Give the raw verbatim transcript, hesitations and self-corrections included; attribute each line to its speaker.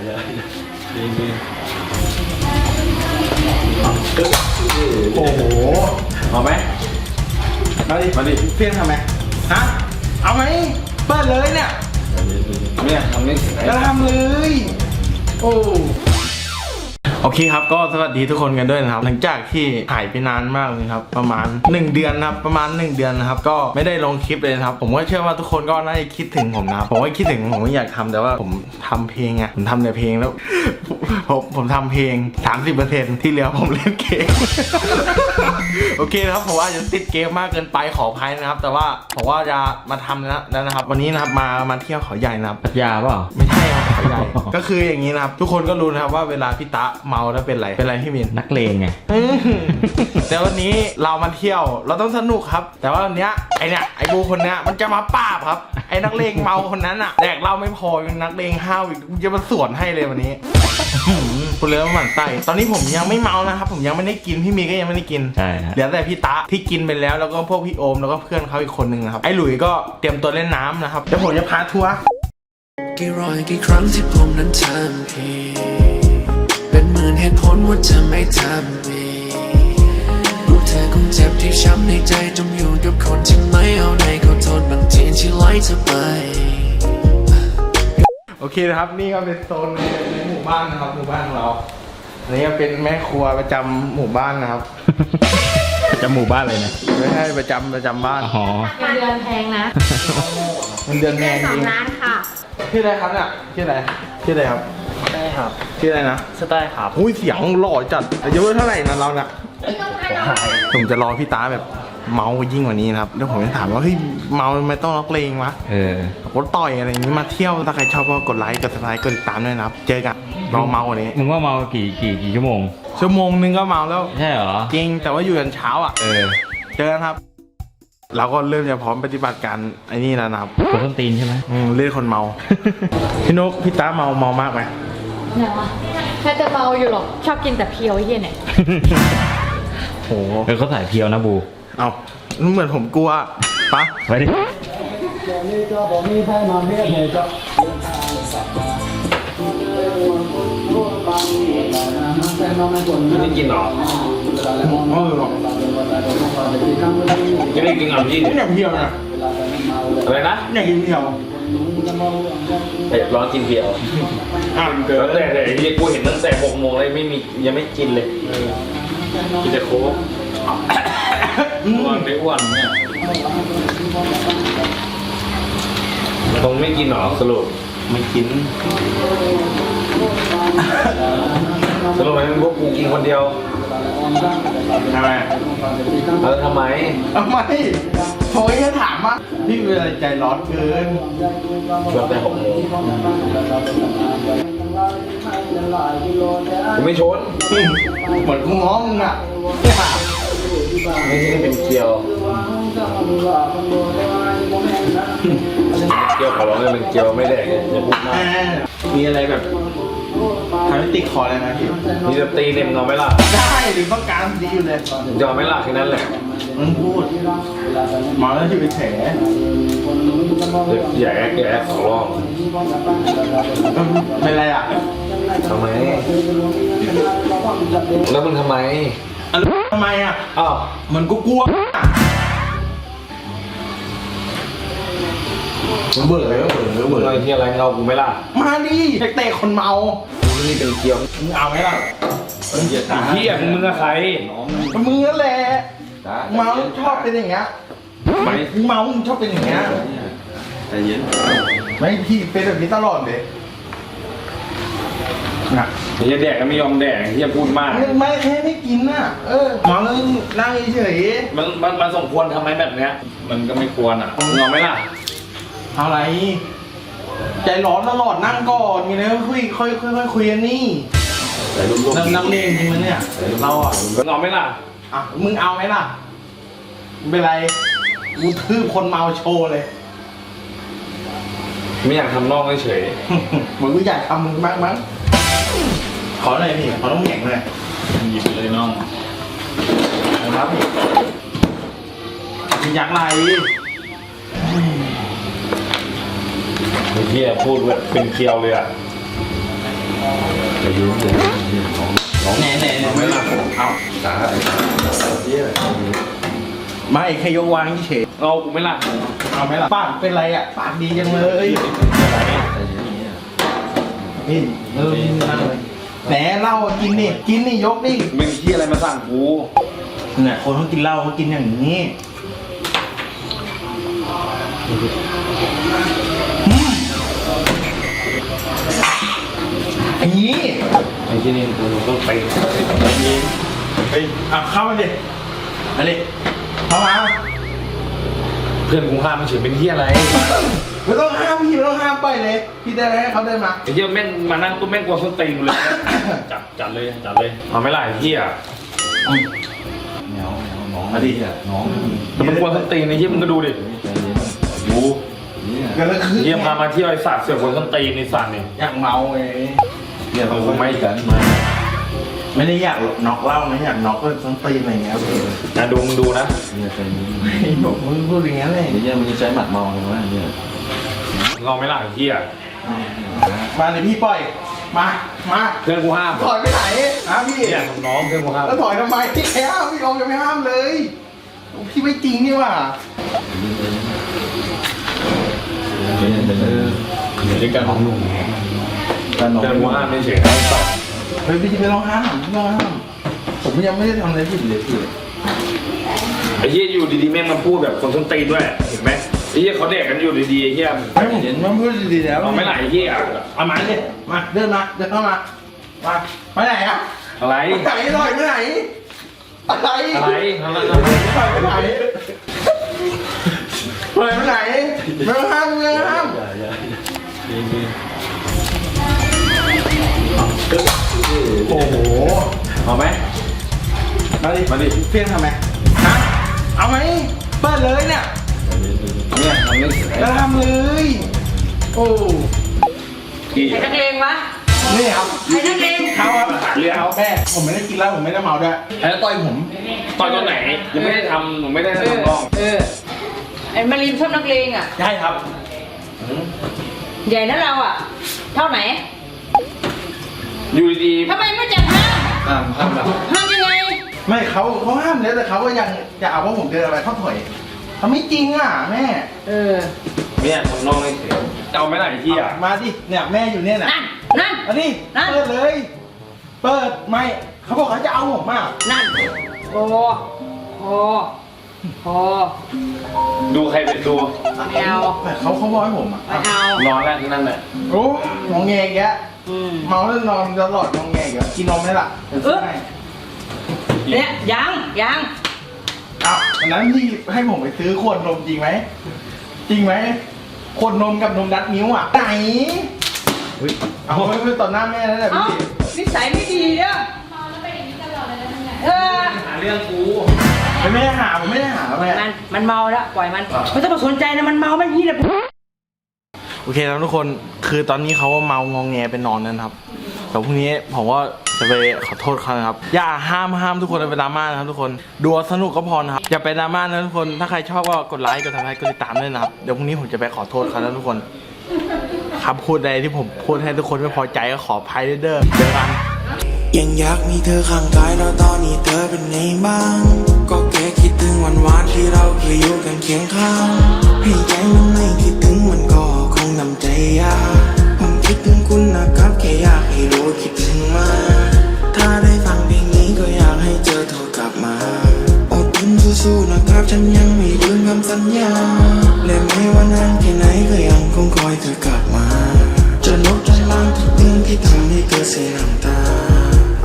Speaker 1: ดีดี
Speaker 2: โอ้โห
Speaker 1: เอาไหม
Speaker 2: มาดิ
Speaker 1: มาดิ
Speaker 2: เพี้ยนทำไมฮะเอาไหมเปิดเลยเนี่ย
Speaker 1: เนี่ยทำนี่
Speaker 2: ก็ทำเลยโอ้โอเคครับก็สวัสดีทุกคนกันด้วยนะครับหลังจากที่หายไปนานมากเลยครับประมาณหนึ่งเดือนนะครับประมาณหนึ่งเดือนนะครับก็ไม่ได้ลงคลิปเลยนะครับผมก็เชื่อว่าทุกคนก็น่าจะคิดถึงผมนะครับผมก็คิดถึงผมก็อยากทำแต่ว่าผมทำเพลงไงผมทำแต่เพลงแล้วผมผมทำเพลง สามสิบเปอร์เซ็นต์ ที่เหลือผมเล่นเกม โอเคนะครับผมว่าจะติดเกมมากเกินไปขออภัยนะครับแต่ว่าผมว่าจะมาทำแล้วนะครับวันนี้นะครับมามาเที่ยวเขาใหญ่นะครับ
Speaker 3: พัทยาเปล่า
Speaker 2: ไม่ใช่ครับเขาใหญ่ ก็คืออย่างนี้นะครับทุกคนก็รู้นะครับว่าเวลาพี่ตะเมาแล้วเป็นไรเป็นไรพี่มิน
Speaker 3: นักเลงไง
Speaker 2: แต่วันนี้เรามาเที่ยวเราต้องสนุกครับแต่ว่าวันเนี้ยไอเนี้ยไอบูคนเนี้ยมันจะมาป้าบครับไอนักเลงเมาคนนั้นอะแดกเราไม่พอยังนักเลงห้าวอีกจะมาสวนให้เลยวันนี้คุณเลยว่าหมั่นไส้ตอนนี้ผมยังไม่เมานะครับผมยังไม่ได้กินพี่มีก็ยังไม่ได้กิน
Speaker 3: ใช่
Speaker 2: เหลือแต่พี่ตะที่กินไปแล้วแล้วก็พวกพี่โอมแล้วก็เพื่อนเขาอีกคนนึงนะครับไอหลุยก็เตรียมตัวเล่นน้ำนะครับเดี๋ยวผมจะพาทัวร์
Speaker 4: กี่ร้อยกี่ครั้งที่ผมนั้นทำผิดเป็นหมื่นเหตุผลว่าจะไม่ทำอีกรู้เธอคงเจ็บที่ช้ำในใจจมอยู่กับคนที่ไม่เอาไหนขอโทษบางทีที่ไล่เธอไป
Speaker 2: โอเคนะครับนี่ก็เป็นโซนในหมู่บ้านนะครับหมู่บ้านของเราอันนี้ก็เป็นแม่ครัวประจำหมู่บ้านนะครับ
Speaker 3: ประจำหมู่บ้านเลยนะ
Speaker 2: ไม่ใช่ประจำประจำบ้าน
Speaker 3: อ๋อ
Speaker 5: เงินเดือนแพงนะ
Speaker 2: เงินเดือนแพงจริง
Speaker 5: สองล้านค่ะ
Speaker 2: ชื่ออะไรครับเนี่ยชื่ออะไรชื่ออะไรครับ
Speaker 1: ใช่ครับ
Speaker 2: ชื่ออะไรนะ
Speaker 1: สไตล์ครับ
Speaker 2: อุ้ยเสียงหล่อจัดอายุเท่าไหร่นะเราเนี่ยผมจะรอพี่ตาแบบเมายิ่งกว่านี้นะครับแล้วผมจะถามว่าเฮ้ยเมาไม่ต้องล็อกเลงวะ
Speaker 3: เออ
Speaker 2: รถต่อยอะไรอย่างนี้มาเที่ยวถ้าใครชอบก็กดไลค์กดซับสไครต์กดติดตามด้วยนะครับเจอกันรอเมาวันนี้
Speaker 3: มึงว่าเมากี่กี่กี่ชั่วโมง
Speaker 2: ชั่วโมงนึงก็เมาแล้ว
Speaker 3: ใช่เหรอ
Speaker 2: จริงแต่ว่าอยู่ยันเช้าอ่ะ
Speaker 3: เออ
Speaker 2: เจอกันครับเราก็เริ่มจะพร้อมปฏิบัติการไอ้นี่แล้วนะครับ
Speaker 3: กดต้นตีนใช่ไหม
Speaker 2: อืมเล่นคนเมา พี่นกพี่ตาเมาเมามากไหม
Speaker 5: ไหนวะแค่จะเมาอยู่หรอกชอบกินแต่เพียวไอ้เหี้ยเนี่ย
Speaker 2: โห
Speaker 3: เออเขาถ่ายเพียวนะบู
Speaker 2: เอาเหมือนผมกลัวปะ
Speaker 3: ไปดิ
Speaker 1: ไม่ได้กินหรอ
Speaker 2: เออหรอ
Speaker 1: ไม่ได้กินหรอพี่
Speaker 2: ไม่อยากเพียวนะ
Speaker 1: อะไรนะ
Speaker 2: อยากกินเพียว
Speaker 1: เผ็ดร้อนกินเพียว
Speaker 2: อ่ะ
Speaker 1: เกิดแต่แต่ยังกูเห็นตั้งแต่หกโมงเลยไม่มียังไม่กินเลยกินแต่โค้กอ้วนไม่อ้วนเนี่ยตรงไม่กินหรอสรุป
Speaker 2: ไม่กิน
Speaker 1: สรุปมันพวกกูกินคนเดียว
Speaker 2: ทำไม
Speaker 1: เออทำไม
Speaker 2: ทำไมผมแค่ถามว่าพี่เป็นอะไรใจร้อนเกิน
Speaker 1: เกือบแต่หกโมงกูไม่ชน
Speaker 2: เหมือนกูง้อมึงอ่ะ
Speaker 1: ไม่ใช่เป็นเกียวเกียวขอร้องเลยเป็นเกียวไม่แดกอย่าพูดมาก
Speaker 2: มีอะไรแบบทำให้ติดคอเลยนะพี่
Speaker 1: มีจะตีเต็มนอนไหมล่ะ
Speaker 2: ได้หรือต้องการดีอยู่เลย
Speaker 1: ยอมไหมล่ะแค่นั้นแหละ
Speaker 2: มึงพูดมาแล้วที่ไปแฉ
Speaker 1: อย่าแอ๊กอย่าแอ๊กขอร้อง
Speaker 2: เป็นไรอ่ะ
Speaker 1: ทำไมแล้วมึงทำไม
Speaker 2: ทำไมอ่ะ
Speaker 1: อ้าว
Speaker 2: มันกูกลัวเบื่อเลยเบื่อเลยเบื่อ
Speaker 1: อะไรที่อะไรเงากูไม่ล่ะ
Speaker 2: มาดิเตะคนเมา
Speaker 1: นี่เป็นเกียว
Speaker 2: มึงเอาไหมล่ะ
Speaker 1: เฮียมึงกับใคร
Speaker 2: มึงนั่นแหละเมาชอบเป็นอย่างเงี้ยไม่เมาชอบเป็นอย่างเงี้ย
Speaker 1: ใจเย็น
Speaker 2: ไม่พี่เป็นแบบนี้ตลอดเลย
Speaker 1: นะเฮียแดกก็ไม่ยอมแดกเฮียพูดมาก
Speaker 2: ไม่แค่ไม่กินน่ะเออเมาแล้วนั่งเฉย
Speaker 1: มันมันมันสมควรทำไมแบบเนี้ยมันก็ไม่ควรอ่ะมึงเอาไหมล่ะ
Speaker 2: อะไรใจร้อนตลอดนั่งก่อนมีอะไรก็คุยค่อยค่อยค่อยคุยกันนี่นักนักเลงจริงมั้ยเนี่ยเราอ่ะ
Speaker 1: มึงเอาไหมล่ะ
Speaker 2: อ่ะมึงเอาไหมล่ะเป็นไรกูทืบคนเมาโชว์เลย
Speaker 1: ไม่อยากทำนอกเฉย
Speaker 2: เหมือนกูอยากทำมึงมากมั้งขอหน่อยพี่ขอต้องแข็งเลย
Speaker 1: หยิบเลยน้อง
Speaker 2: นะครับพี่มีอยากไร
Speaker 1: เฮียพูดแบบเป็นเคียวเลยอ่ะ
Speaker 3: จะยืมเดี๋ยวน้องน้อง
Speaker 2: ไหนไหนไหนไม่ละเอา
Speaker 3: สาไอ้สาเยี่ย
Speaker 2: ไม่แค่ยกวางเฉย
Speaker 1: เอากูไม่ละ
Speaker 2: เอาไหมล่ะปากเป็นไรอ่ะปากดีจังเลยนี่เออนั่งเลยแหนเหล้ากินนี่กินนี่ยกนี่
Speaker 1: มึงที่อะไรมาสั่งกู
Speaker 2: เนี่ยคนเขากินเหล้าเขากินอย่างนี้อันนี้
Speaker 1: ไอ้ที่นี่กูต้องไป
Speaker 2: เฮ้ยอ่ะเข้ามาดิมาดิเข้ามา
Speaker 1: เพื่อนกูห้ามมันเฉยเป็นที่อะไร
Speaker 2: ไม่ต้องห้ามพี่ไม่ต้องห้ามไปเลยพี่ได้ให้เขาเดินมา
Speaker 1: ไอ้เหี้ยแม่งมานั่งตุ้มแม่งกลัวส้นตีนกูเลย จัดจัดเลยจัดเลยเอาไม่ละไอ้เหี้ย
Speaker 3: แมวแมวน้องมาดิอ่ะน้อง
Speaker 1: แต่มันกลัวส้นตีนไอ้เหี้ยมึงก็ดูดิ
Speaker 3: ใจเย็น
Speaker 1: ดู
Speaker 3: เนี่ย
Speaker 2: กันแล้วคือ
Speaker 1: เหี้ยพามาเที่ยวไอ้สัตว์เสือกกลัวส้นตีนไอ้สัตว์นี่
Speaker 2: อยากเมาไง
Speaker 3: เนี่ยเราไม่กันมา
Speaker 2: ไม่ได้อยากน็อกเหล้านะอยากน็อกก็ต้องตีนอะไรเงี้ย
Speaker 1: นะดูมึงดูนะ
Speaker 3: เนี่ยใจเย็น
Speaker 2: ไอ้บอกมึงพูดอย่างงี้เลย
Speaker 3: เนี่ยมันจะใช้หมัดเมาเลยวะเนี่ย
Speaker 1: มึงเอาไม่ละไอ้เหี้ย
Speaker 2: มาเลยพี่ปล่อยมามา
Speaker 1: เพื่อนกูห้าม
Speaker 2: ถอยไปไหนฮะพี่
Speaker 1: เนี่ยน้องเพื่อนกูห้าม
Speaker 2: แล้วถอยทำไมพี่แอ้วพี่ออมยังไม่ห้ามเลยพี่ไม่จริงนี่ว่ะ
Speaker 3: เย็นเออ
Speaker 1: อยู่ด้วยกัน
Speaker 3: น้องหนุ่ม
Speaker 2: แต่น้อง
Speaker 1: เพื่อนกูห้ามไม่เฉยไอ้สัตว์
Speaker 2: เฮ้ยพี่ไม่ต้องห้ามไม่ต้องห้ามผมยังไม่ได้ทำอะไรผิดเลยพี่
Speaker 1: ไอ้เหี้ยอยู่ดีๆแม่งมาพูดแบบคนส้นตีนด้วยเห็นไหมไอ้เหี้ยเขาเด็กกันอยู่ดีๆไอ้เหี้ย
Speaker 2: ไอ้ผมมันพูดดีๆแล้ว
Speaker 1: เอาไม่ไหลไอ้เหี้ย
Speaker 2: เอามาเลยมาเดินมาเดินเข้ามามาไปไหนอ่ะ
Speaker 1: อะไร
Speaker 2: ไปไหนถอยไปไหนอะไร
Speaker 1: อะไรอะไร
Speaker 2: ถอยไปไหนถอยไปไหนไม่ต้องห้ามไม่ต้องห้าม
Speaker 3: อย่าอย่า
Speaker 2: โอ้โห
Speaker 1: เอาไหม
Speaker 2: มาดิ
Speaker 1: มาดิ
Speaker 2: เพี้ยนทำไมฮะเอาไหมเปิดเลยเนี่ย
Speaker 1: เนี่ยทำไม่เฉย
Speaker 2: แล้วทำเลยโอ้
Speaker 1: กี่
Speaker 5: ใครนักเลงวะ
Speaker 2: นี่ครับ
Speaker 5: ใครนักเลง
Speaker 2: เขาครับ
Speaker 1: เรือเอา
Speaker 2: แม่ผมไม่ได้กินเหล้าผมไม่ได้เมาด้วยแล้วต่อยผม
Speaker 1: ตอนตอนไหนยังไม่ได้ทำหนูไม่ได้ทำกล้อง
Speaker 5: เออไอ้มารีมชอบนักเลงอ่ะ
Speaker 2: ใช่ครับ
Speaker 5: ใหญ่นะเราอ่ะ เท่าไหน
Speaker 1: อยู่ดี
Speaker 5: ทำไมไม่จัดห้าม
Speaker 1: ๆอ่าทำแบบ
Speaker 5: ห้ามยังไง
Speaker 2: ไม่เขาเขาห้ามแล้วแต่เขาก็ยังจะเอาว่าผมเดินอะไรเขาถอยเขาไม่จริงอ่ะแม่
Speaker 5: เออ
Speaker 1: เนี่ยทำน้องไม่เฉยจะเอาไหมล่ะไอ้ที่อ่ะ
Speaker 2: มาดิเนี่ยแม่อยู่เนี่ยนะ
Speaker 5: นั่น นั่น
Speaker 2: อันนี้
Speaker 5: นั่น
Speaker 2: เปิดเลย เปิดไม่เขาบอกเขาจะเอาผมมาก
Speaker 5: นั่นโอ้โอ้โอ้
Speaker 1: ดูใครเป็นดู
Speaker 5: ไม่เอา
Speaker 2: แต่เขาเขาบอกให้ผมอ่ะ
Speaker 5: ไม่เอา
Speaker 1: นอนแล้วนั่นแหละ
Speaker 2: โอ้งองแงแก
Speaker 5: อืม
Speaker 2: เมาแล้วนอนตลอดงองแงแกกินนมไหมล่ะเดี๋ยวซื้อให้
Speaker 5: เนี่ยยังยัง
Speaker 2: อ้าววันนั้นที่ให้ผมไปซื้อขวดนมจริงไหมจริงไหมขวดนมกับนมดัดนิ้วอ่ะไหนเอาไม่ไม่ต่อหน้าแม่แล้วแหละ
Speaker 5: เอ้า
Speaker 2: พี่
Speaker 5: นิสัยไม่ดีเนี่ยเออ
Speaker 1: หาเรื่องกู
Speaker 2: ผมไม่ได้หาผมไม่ได้หาแม่
Speaker 5: มันมันเมาแล้วปล่อยมันไม่ต้องมาสนใจนะมันเมามันยี่แหละ
Speaker 2: โอเคครับทุกคนคือตอนนี้เขาก็เมางองแงไปนอนนั่นครับแต่พรุ่งนี้ผมก็จะไปขอโทษเขานะครับอย่าห้ามห้ามทุกคนไปดราม่านะครับทุกคนดูสนุกก็พอนะครับอย่าไปดราม่านะทุกคนถ้าใครชอบก็กดไลค์กดซับสไครต์กดติดตามด้วยนะครับเดี๋ยวพรุ่งนี้ผมจะไปขอโทษเขานะทุกคนคำพูดใดที่ผมพูดให้ทุกคนไม่พอใจก็ขออภัยด้วยเด้อเจอกัน
Speaker 4: ยังอยากมีเธอข้างกายแล้วตอนนี้เธอเป็นไงบ้าง ก็แค่คิดถึงวันวานที่เราเคยอยู่กันเคียงข้างให้ใจมันไม่คิดถึงมันก็คงทำใจยากผมคิดถึงคุณนะครับแค่อยากให้รู้คิดถึงมากถ้าได้ฟังเพลงนี้ก็อยากให้เจอโทรกลับมาอดทนสู้ๆนะครับฉันยังไม่ลืมคำสัญญาและไม่ว่านานแค่ไหนก็ยังคงคอยเธอกลับมาจะลบจะล้างทุกเรื่องที่ทำให้เธอเสียน้ำตา